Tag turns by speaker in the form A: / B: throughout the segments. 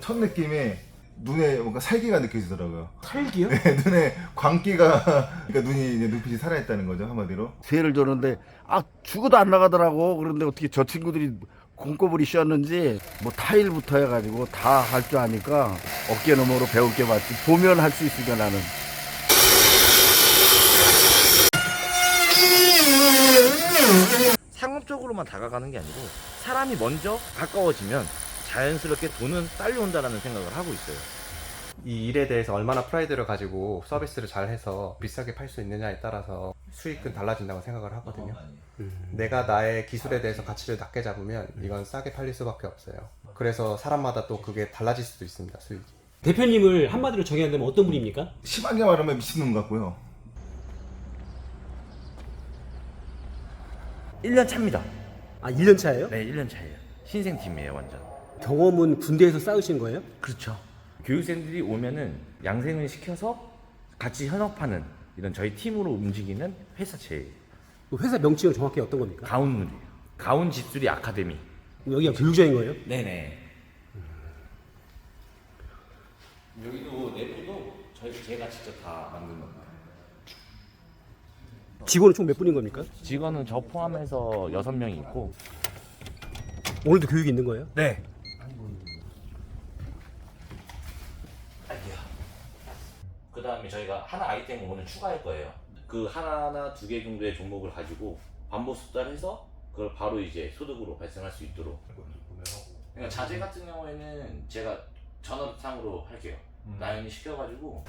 A: 첫 느낌에 눈에 뭔가 살기가 느껴지더라고요.
B: 살기요?
A: 네, 눈에 광기가 그러니까 눈이 이제 눈빛이 살아있다는 거죠, 한마디로.
C: 세를 줬는데 죽어도 안 나가더라고. 그런데 어떻게 저 친구들이 공꼬불이 씌었는지 뭐 타일부터 해가지고 다 할 줄 아니까 어깨 너머로 배울 게 많지. 보면 할 수 있으니까 나는.
D: 상업적으로만 다가가는 게 아니고 사람이 먼저 가까워지면 자연스럽게 돈은 딸려온다라는 생각을 하고 있어요.
E: 이 일에 대해서 얼마나 프라이드를 가지고 서비스를 잘해서 비싸게 팔 수 있느냐에 따라서 수익은 달라진다고 생각을 하거든요. 내가 나의 기술에 대해서 가치를 낮게 잡으면 이건 싸게 팔릴 수밖에 없어요. 그래서 사람마다 또 그게 달라질 수도 있습니다, 수익이.
B: 대표님을 한마디로 정해야 되면 어떤 분입니까?
A: 심하게 말하면 미친놈 같고요.
D: 1년 차입니다.
B: 아, 1년 차예요?
D: 네, 1년 차예요. 신생팀이에요, 완전.
B: 경험은 군대에서 쌓으신 거예요?
D: 그렇죠. 교육생들이 오면은 양생을 시켜서 같이 현업하는 이런 저희 팀으로 움직이는 회사체예요.
B: 그 회사 명칭은 정확히 어떤 겁니까?
D: 가운물이에요. 가운 집수리 아카데미.
B: 여기가 교육장인 거예요?
D: 네네. 여기도 내부도 제가 직접 다 만든 겁니다.
B: 직원은 총 몇 분인 겁니까?
D: 직원은 저 포함해서 6명이 있고.
B: 오늘도 교육이 있는 거예요?
D: 네. 그 다음에 저희가 하나 아이템을 오늘 추가할 거예요. 그 하나나 2개 정도의 종목을 가지고 반복 숙달해서 그걸 바로 이제 소득으로 발생할 수 있도록. 그러니까 자재 같은 경우에는 제가 전업상으로 할게요. 나연이 시켜가지고.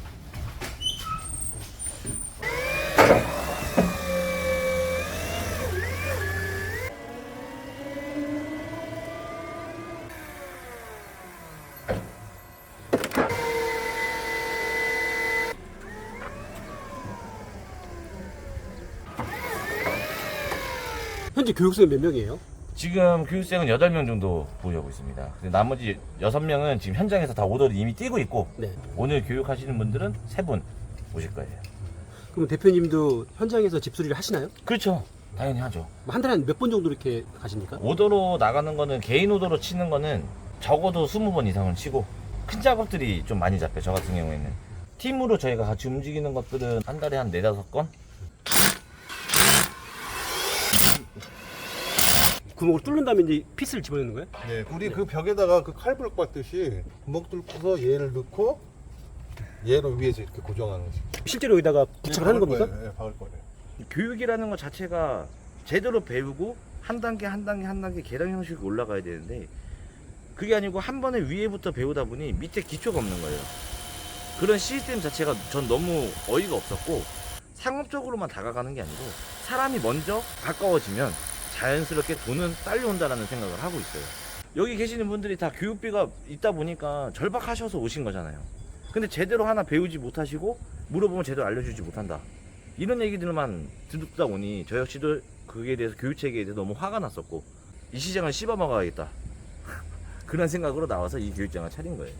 B: 현재 교육생은 몇 명이에요?
D: 지금 교육생은 8명 정도 보유하고 있습니다. 근데 나머지 6명은 지금 현장에서 다 오더를 이미 띄고 있고,
B: 네.
D: 오늘 교육하시는 분들은 3분 오실 거예요.
B: 그럼 대표님도 현장에서 집수리를 하시나요?
D: 그렇죠. 당연히 하죠.
B: 한 달에 몇 번 정도 이렇게 가십니까?
D: 오더로 나가는 거는, 개인 오더로 치는 거는 적어도 20번 이상은 치고, 큰 작업들이 좀 많이 잡혀요. 저 같은 경우에는 팀으로 저희가 같이 움직이는 것들은 한 달에 한 4-5건?
B: 구멍을 뚫는 다음에 이제 핏을 집어넣는 거예요?
F: 네, 우리 그 벽에다가 그 칼불 받듯이 구멍 뚫고서 얘를 넣고 얘를 위에서 이렇게 고정하는 거지.
B: 실제로 여기다가 부착을 하는 겁니까?
F: 네, 박을 거예요.
D: 교육이라는 것 자체가 제대로 배우고 한 단계 한 단계 한 단계 계단 형식으로 올라가야 되는데, 그게 아니고 한 번에 위에부터 배우다 보니 밑에 기초가 없는 거예요. 그런 시스템 자체가 전 너무 어이가 없었고, 상업적으로만 다가가는 게 아니고 사람이 먼저 가까워지면 자연스럽게 돈은 딸려온다라는 생각을 하고 있어요. 여기 계시는 분들이 다 교육비가 있다 보니까 절박하셔서 오신 거잖아요. 근데 제대로 하나 배우지 못하시고 물어보면 제대로 알려주지 못한다, 이런 얘기들만 듣다 보니 저 역시도 그에 대해서, 교육체계에 대해서 너무 화가 났었고, 이 시장을 씹어먹어야겠다 그런 생각으로 나와서 이 교육장을 차린 거예요.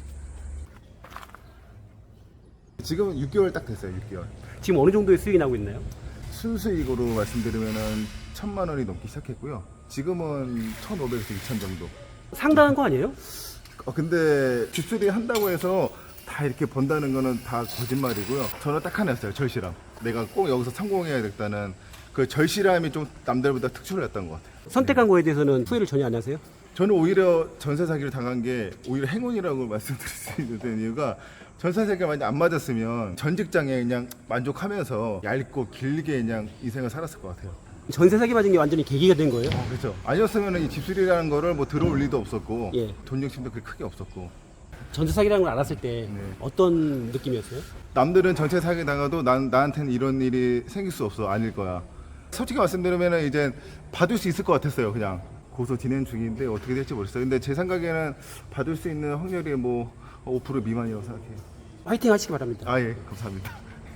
A: 지금은 6개월 딱 됐어요, 6개월.
B: 지금 어느 정도의 수익이 나고 있나요?
A: 순수익으로 말씀드리면은 1,000만 원이 넘기 시작했고요. 지금은 1,500에서 2,000 정도.
B: 상당한 거 아니에요?
A: 근데 집수리 한다고 해서 다 이렇게 번다는 거는 다 거짓말이고요. 저는 딱 하나였어요, 절실함. 내가 꼭 여기서 성공해야겠다는 그 절실함이 좀 남들보다 특출났던 것 같아요.
B: 선택한 거에 대해서는 후회를 전혀 안 하세요?
A: 저는 오히려 전세 사기를 당한 게 오히려 행운이라고 말씀드릴 수 있는 이유가, 전세 사기가 만약 안 맞았으면 전 직장에 그냥 만족하면서 얇고 길게 그냥 인생을 살았을 것 같아요.
B: 전세 사기 맞은 게 완전히 계기가 된 거예요?
A: 그렇죠. 아니었으면 이 집수리라는 거를 뭐 들어올 리도 없었고,
B: 예.
A: 돈 욕심도 그렇게 크게 없었고.
B: 전세 사기라는 걸 알았을 때
A: 네.
B: 어떤 느낌이었어요?
A: 남들은 전세 사기 당해도 나한테는 이런 일이 생길 수 없어, 아닐 거야. 솔직히 말씀드리면 이제 받을 수 있을 것 같았어요. 그냥 고소 진행 중인데 어떻게 될지 모르겠어요. 근데 제 생각에는 받을 수 있는 확률이 뭐 5% 미만이라고 생각해요.
B: 화이팅 하시기 바랍니다.
A: 아, 예, 감사합니다.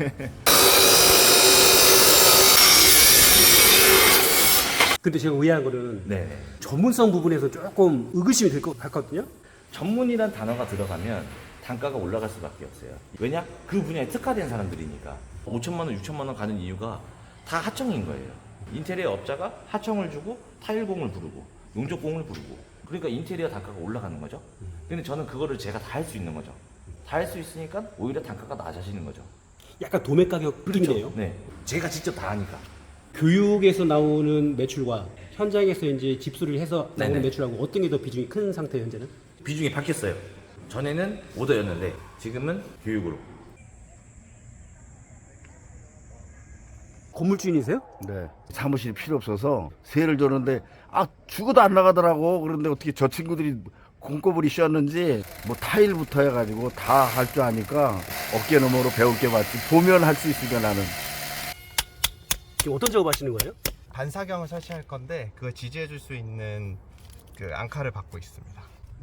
B: 근데 제가 의아한 거는
D: 네.
B: 전문성 부분에서 조금 의구심이 될 것 같거든요.
D: 전문이란 단어가 들어가면 단가가 올라갈 수밖에 없어요. 왜냐? 그 분야에 특화된 사람들이니까. 5천만 원, 6천만 원 가는 이유가 다 하청인 거예요. 인테리어 업자가 하청을 주고 타일공을 부르고 용접공을 부르고 그러니까 인테리어 단가가 올라가는 거죠. 근데 저는 그거를 제가 다 할 수 있는 거죠. 다 할 수 있으니까 오히려 단가가 낮아지는 거죠.
B: 약간 도매 가격 느낌이네요.
D: 네, 제가 직접 다 하니까.
B: 교육에서 나오는 매출과 현장에서 이제 집수리를 해서 나오는
D: 네네.
B: 매출하고 어떤 게 더 비중이 큰 상태예요, 현재는?
D: 비중이 바뀌었어요. 전에는 오더였는데 지금은 교육으로.
B: 건물주인이세요?
C: 네. 사무실이 필요 없어서 세를 줬는데 죽어도 안 나가더라고. 그런데 어떻게 저 친구들이 공꺼불이 씌웠는지 뭐 타일부터 해가지고 다 할 줄 아니까 어깨 너머로 배울 게 많지. 보면 할 수 있으니까 나는.
B: 지금 어떤 작업하시는 거예요?
E: 반사경을 설치할 건데 그걸 지지해 줄 수 있는 그 앙카를 받고 있습니다.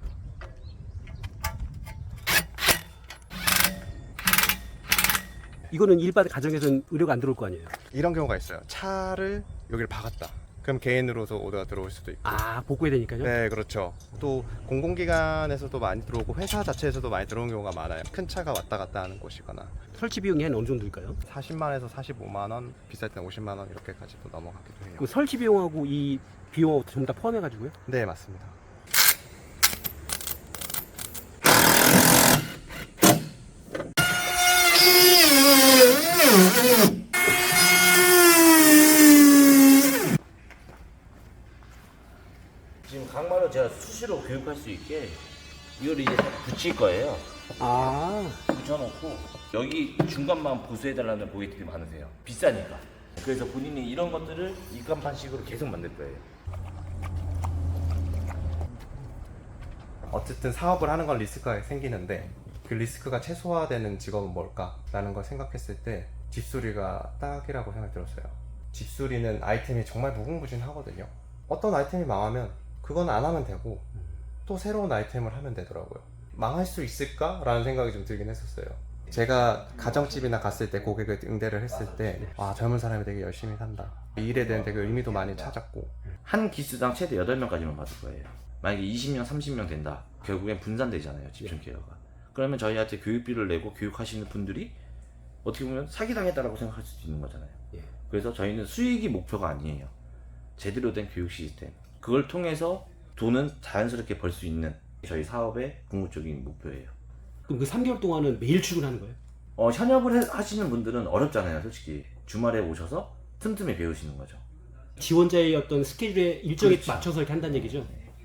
B: 이거는 일반 가정에서는 의료가 안 들어올 거 아니에요?
E: 이런 경우가 있어요. 차를 여기를 박았다. 그럼 개인으로서 오더가 들어올 수도 있고.
B: 아, 복구해야 되니까요?
E: 네, 그렇죠. 또 공공기관에서도 많이 들어오고 회사 자체에서도 많이 들어오는 경우가 많아요. 큰 차가 왔다 갔다 하는 곳이거나
B: 설치 비용이 한 어느 정도일까요?
E: 40만에서 45만 원, 비쌀 때는 50만 원 이렇게까지도 넘어가기도 해요.
B: 그 설치 비용하고 이 비용하고 전부 다 포함해가지고요?
E: 네, 맞습니다.
D: 지금 강마를 제가 수시로 교육할 수 있게 이걸 이제 붙일 거예요.
B: 아,
D: 붙여놓고 여기 중간만 보수해달라는 고객들이 많으세요. 비싸니까. 그래서 본인이 이런 것들을 입간판식으로 계속 만들 거예요.
E: 어쨌든 사업을 하는 건 리스크가 생기는데 그 리스크가 최소화되는 직업은 뭘까라는 걸 생각했을 때 집수리가 딱이라고 생각이 들었어요. 집수리는 아이템이 정말 무궁무진하거든요. 어떤 아이템이 망하면 그건 안 하면 되고 또 새로운 아이템을 하면 되더라고요. 망할 수 있을까라는 생각이 좀 들긴 했었어요. 제가 가정집이나 갔을 때 고객을 응대를 했을 때 젊은 사람이 되게 열심히 산다. 이 일에 대한 되게 의미도 많이 찾았고
D: 한 기수당 최대 8명까지만 받을 거예요. 만약에 20명, 30명 된다. 결국엔 분산되잖아요. 집중 케어가. 그러면 저희한테 교육비를 내고 교육하시는 분들이 어떻게 보면 사기당했다라고 생각할 수도 있는 거잖아요. 그래서 저희는 수익이 목표가 아니에요. 제대로 된 교육 시스템. 그걸 통해서 돈은 자연스럽게 벌 수 있는 저희 사업의 궁극적인 목표예요.
B: 그럼 그 3개월 동안은 매일 출근하는 거예요?
D: 현업을 하시는 분들은 어렵잖아요. 솔직히 주말에 오셔서 틈틈이 배우시는 거죠.
B: 지원자의 어떤 스케줄에 일정에
D: 그렇죠.
B: 맞춰서 이렇게 한다는 얘기죠?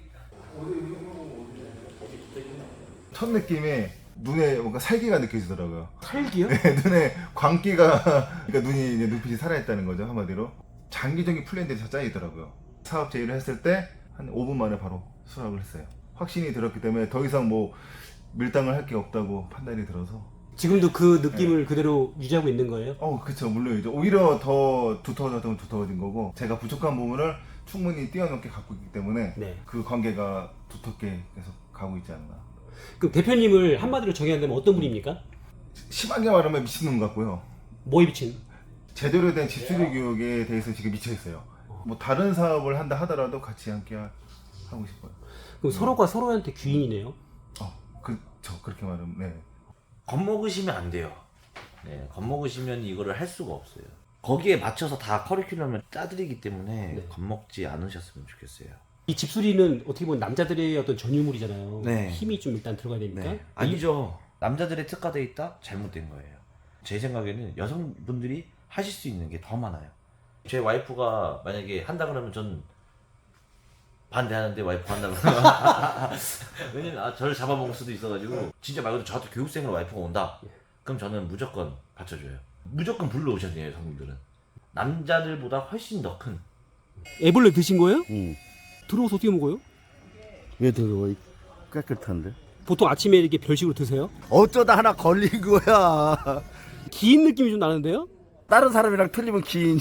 A: 첫 느낌에 눈에 뭔가 살기가 느껴지더라고요.
B: 살기요?
A: 네, 눈에 광기가 그러니까 눈이 이제 눈빛이 살아있다는 거죠, 한마디로. 장기적인 플랜들이 다 짜이더라고요. 사업 제의를 했을 때 한 5분 만에 바로 수락을 했어요. 확신이 들었기 때문에 더 이상 뭐 밀당을 할 게 없다고 판단이 들어서.
B: 지금도 그 느낌을 그대로 유지하고 있는 거예요?
A: 그쵸, 물론이죠. 오히려 더 두터워졌다면 두터워진 거고, 제가 부족한 부분을 충분히 뛰어넘게 갖고 있기 때문에
B: 네.
A: 그 관계가 두텁게 계속 가고 있지 않나.
B: 그럼 대표님을 한마디로 정의한다면 어떤 분입니까?
A: 심하게 말하면 미친놈 같고요.
B: 뭐에 비친?
A: 제대로 된 집수리 교육에 대해서 지금 미쳐 있어요. 뭐 다른 사업을 한다 하더라도 같이 함께 하고 싶어요.
B: 그럼 서로가 서로한테 귀인이네요?
A: 그쵸, 그렇게 말하면, 네.
D: 겁먹으시면 안 돼요. 네, 겁먹으시면 이거를 할 수가 없어요. 거기에 맞춰서 다 커리큘럼을 짜드리기 때문에
B: 네.
D: 겁먹지 않으셨으면 좋겠어요.
B: 이 집수리는 어떻게 보면 남자들의 어떤 전유물이잖아요.
D: 네.
B: 힘이 좀 일단 들어가야 되니까.
D: 네. 아니죠. 남자들의 특화돼 있다? 잘못된 거예요. 제 생각에는 여성분들이 하실 수 있는 게 더 많아요. 제 와이프가 만약에 한다 그러면 전 반대하는데 와이프가 한다 그러면 왜냐면 저를 잡아먹을 수도 있어가지고 진짜 말 그대로 저한테 교육생으로 와이프가 온다? 그럼 저는 무조건 받쳐줘요. 무조건 불러오셔야 돼요, 여성분들은. 남자들보다 훨씬 더 큰.
B: 애벌레 드신 거예요?
C: 응.
B: 들어와서 어떻게 먹어요?
C: 왜 더러워? 깨끗한데.
B: 보통 아침에 이렇게 별식으로 드세요?
C: 어쩌다 하나 걸린 거야.
B: 긴 느낌이 좀 나는데요?
C: 다른 사람이랑 틀리면 기인이야?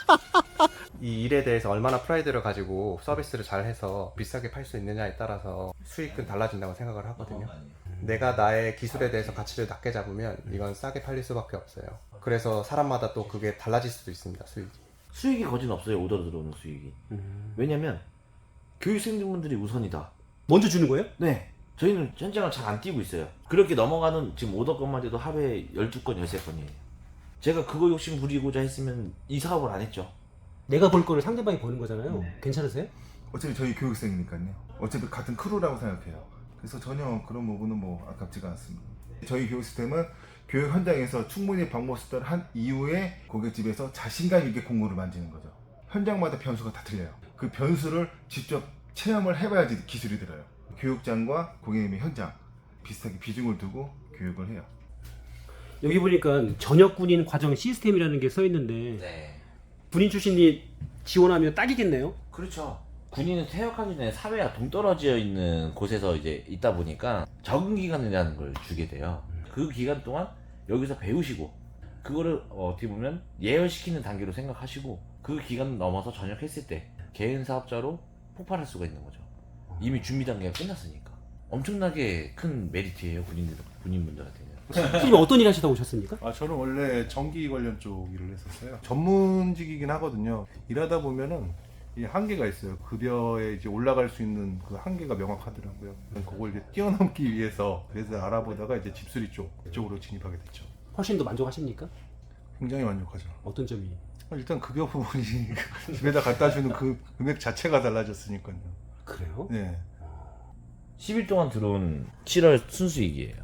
E: 이 일에 대해서 얼마나 프라이드를 가지고 서비스를 잘 해서 비싸게 팔 수 있느냐에 따라서 수익은 달라진다고 생각을 하거든요. 내가 나의 기술에 대해서 가치를 낮게 잡으면 이건 싸게 팔릴 수밖에 없어요. 그래서 사람마다 또 그게 달라질 수도 있습니다, 수익이.
D: 수익이 거진 없어요, 오더로 들어오는 수익이. 왜냐면 교육생분들이 우선이다.
B: 먼저 주는 거예요?
D: 네. 저희는 현장을 잘 안 뛰고 있어요. 그렇게 넘어가는 지금 오더 건만 해도 하루에 12건, 13건이에요. 제가 그거 욕심 부리고자 했으면 이 사업을 안 했죠.
B: 내가 벌 거를 상대방이 버는 거잖아요. 괜찮으세요?
A: 어차피 저희 교육생이니까요. 어차피 같은 크루라고 생각해요. 그래서 전혀 그런 부분은 뭐 아깝지가 않습니다. 저희 교육 시스템은 교육 현장에서 충분히 방법 수단을 한 이후에 고깃집에서 자신감 있게 공구를 만지는 거죠. 현장마다 변수가 다 틀려요. 그 변수를 직접 체험을 해봐야지 기술이 들어요. 교육장과 고객님의 현장 비슷하게 비중을 두고 교육을 해요.
B: 여기 보니까 전역 군인 과정 시스템이라는 게 써 있는데
D: 네.
B: 군인 출신이 지원하면 딱이겠네요.
D: 그렇죠. 군인은 퇴역하기 전에 사회와 동떨어져 있는 곳에서 이제 있다 보니까 적응 기간이라는 걸 주게 돼요. 그 기간 동안 여기서 배우시고 그거를 어떻게 보면 예열시키는 단계로 생각하시고 그 기간을 넘어서 전역했을 때 개인 사업자로 폭발할 수가 있는 거죠. 이미 준비 단계가 끝났으니까. 엄청나게 큰 메리트예요, 군인분들한테는.
B: 선생님 어떤 일 하시다 오셨습니까?
F: 저는 원래 전기 관련 쪽 일을 했었어요. 전문직이긴 하거든요. 일하다 보면은 이 한계가 있어요. 급여에 이제 올라갈 수 있는 그 한계가 명확하더라고요. 그걸 이제 뛰어넘기 위해서 그래서 알아보다가 이제 집수리 쪽으로 진입하게 됐죠.
B: 훨씬 더 만족하십니까?
F: 굉장히 만족하죠.
B: 어떤 점이?
F: 일단 급여 부분이 집에다 갖다 주는 그 금액 자체가 달라졌으니까요.
B: 그래요?
F: 네.
D: 10일 동안 들어온 7월 순수익이에요.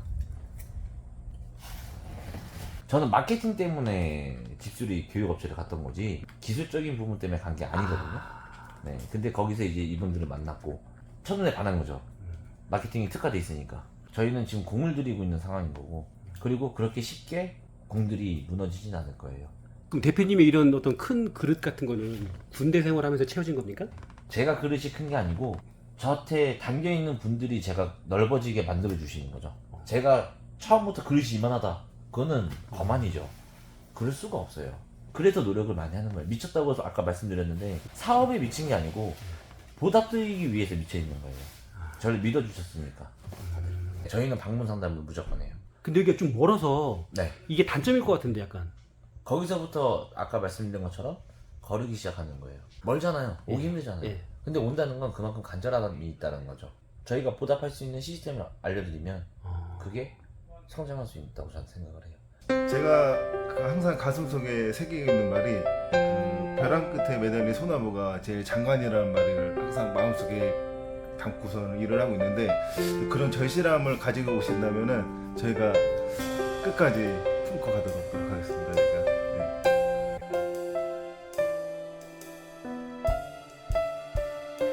D: 저는 마케팅 때문에 집수리 교육업체를 갔던 거지 기술적인 부분 때문에 간 게 아니거든요. 네, 근데 거기서 이제 이분들을 만났고 첫눈에 반한 거죠. 마케팅이 특화돼 있으니까. 저희는 지금 공을 들이고 있는 상황인 거고 그리고 그렇게 쉽게 공들이 무너지진 않을 거예요.
B: 그럼 대표님의 이런 어떤 큰 그릇 같은 거는 군대 생활하면서 채워진 겁니까?
D: 제가 그릇이 큰 게 아니고 저한테 담겨있는 분들이 제가 넓어지게 만들어 주시는 거죠. 제가 처음부터 그릇이 이만하다 그거는 거만이죠. 그럴 수가 없어요. 그래서 노력을 많이 하는 거예요. 미쳤다고 해서 아까 말씀드렸는데 사업에 미친 게 아니고 보답드리기 위해서 미쳐 있는 거예요. 저를 믿어주셨으니까. 저희는 방문 상담을 무조건 해요.
B: 근데 여기가 좀 멀어서
D: 네.
B: 이게 단점일 것 같은데 약간.
D: 거기서부터 아까 말씀드린 것처럼 거르기 시작하는 거예요. 멀잖아요. 오기
B: 예.
D: 힘들잖아요.
B: 예.
D: 근데 온다는 건 그만큼 간절함이 있다는 거죠. 저희가 보답할 수 있는 시스템을 알려드리면 그게 성장할 수 있다고 저는 생각을 해요.
A: 제가 항상 가슴속에 새기고 있는 말이 벼랑 끝에 매달린 소나무가 제일 장관이라는 말을 항상 마음속에 담고서는 일을 하고 있는데 그런 절실함을 가지고 오신다면은 저희가 끝까지 품고 가도록 노력하겠습니다. 그러니까, 네.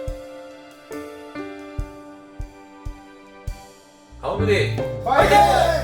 D: 가오들이
A: 파이팅!